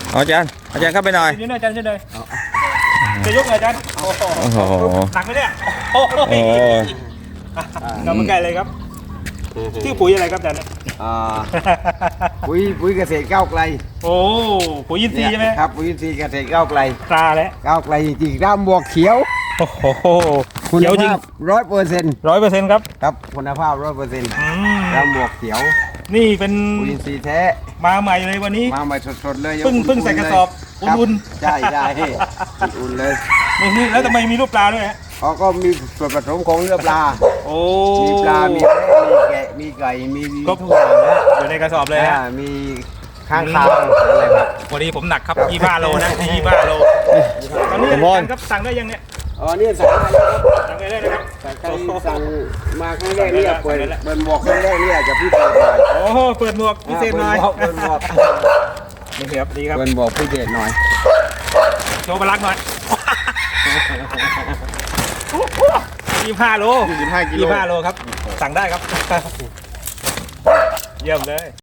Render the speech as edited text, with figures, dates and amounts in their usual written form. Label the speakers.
Speaker 1: อาจารย์เข้าไปหน่อย
Speaker 2: ยืนหน่อยอาจารย์ยืนหน่อยจะยกหน่อยอาจารย์โอ้โห
Speaker 1: โอ้โห
Speaker 2: หนักไหมเนี่ยโอ้โห
Speaker 1: โอ้
Speaker 2: กำลังไกลเลยครับชื่อปุ๋ยอะไรครับอาจารย์
Speaker 3: ปุ๋ยเกษตรก้าวไกล
Speaker 2: โอ้ปุ๋ยยินซีย์ใช่ไหม
Speaker 3: ครับปุ๋ยอินทรีย์เกษตรก้าวไกล
Speaker 2: ตราแล้ว
Speaker 3: ก้าวไกลจริงๆด้ามบวกเขียว
Speaker 2: โอ้โห
Speaker 3: คุณ
Speaker 2: เขียวจริง
Speaker 3: ภาพ100%
Speaker 2: 100%ครับ
Speaker 3: ครับคุณภาพ100%
Speaker 2: อืม
Speaker 3: ด้ามบวกเขียว
Speaker 2: นี่เป็น
Speaker 3: ปุ๋ยอินทรีย์แท้
Speaker 2: มาใหม่เลยวันนี้
Speaker 3: มาใหม่สดๆเลย
Speaker 2: เพิ่งใส่กระสอบ
Speaker 3: ครับ
Speaker 2: อุ่น
Speaker 3: ใช่อุ่นๆเลย
Speaker 2: นี่แล้วทำไมมีรูปปลาด้วยฮะ
Speaker 3: เขาก็มีส่วนผสมของเนื้อปลา
Speaker 2: โอ้
Speaker 3: มีปลา มีแพะมีแกะ มีไก่ มี
Speaker 2: ครบ
Speaker 3: ทุกอย่างนะ
Speaker 2: อยู่ในกระสอบเลยฮะ
Speaker 3: มีข้างคาวอะไรครับ
Speaker 2: วันนี้ผมหนักครับ25 โลนะ25 โลตอนนี้อาจารย์ครับสั่งได้ยังเนี่ย
Speaker 3: อ๋อเนี่ยสั่งได้แล้วครับ
Speaker 2: สั่งได้เลยนะครับ
Speaker 3: แต่ใครสั่งมาครั้งแรกเนี่ยเปิดหมวกครั้งแรกเนี่ยจะพิเศษหน่อย
Speaker 2: โอ้โหเปิดหมวกพิเศษหน่อย
Speaker 3: เปิดหมวก
Speaker 2: นี่ครับดีครับ
Speaker 3: เปิดหมวกพิเศษหน่อย
Speaker 2: โชว์พลังหน่อย25 โล
Speaker 3: 25 กิโล
Speaker 2: 25 โลครับสั่งได้ครับเยี่ยมเลย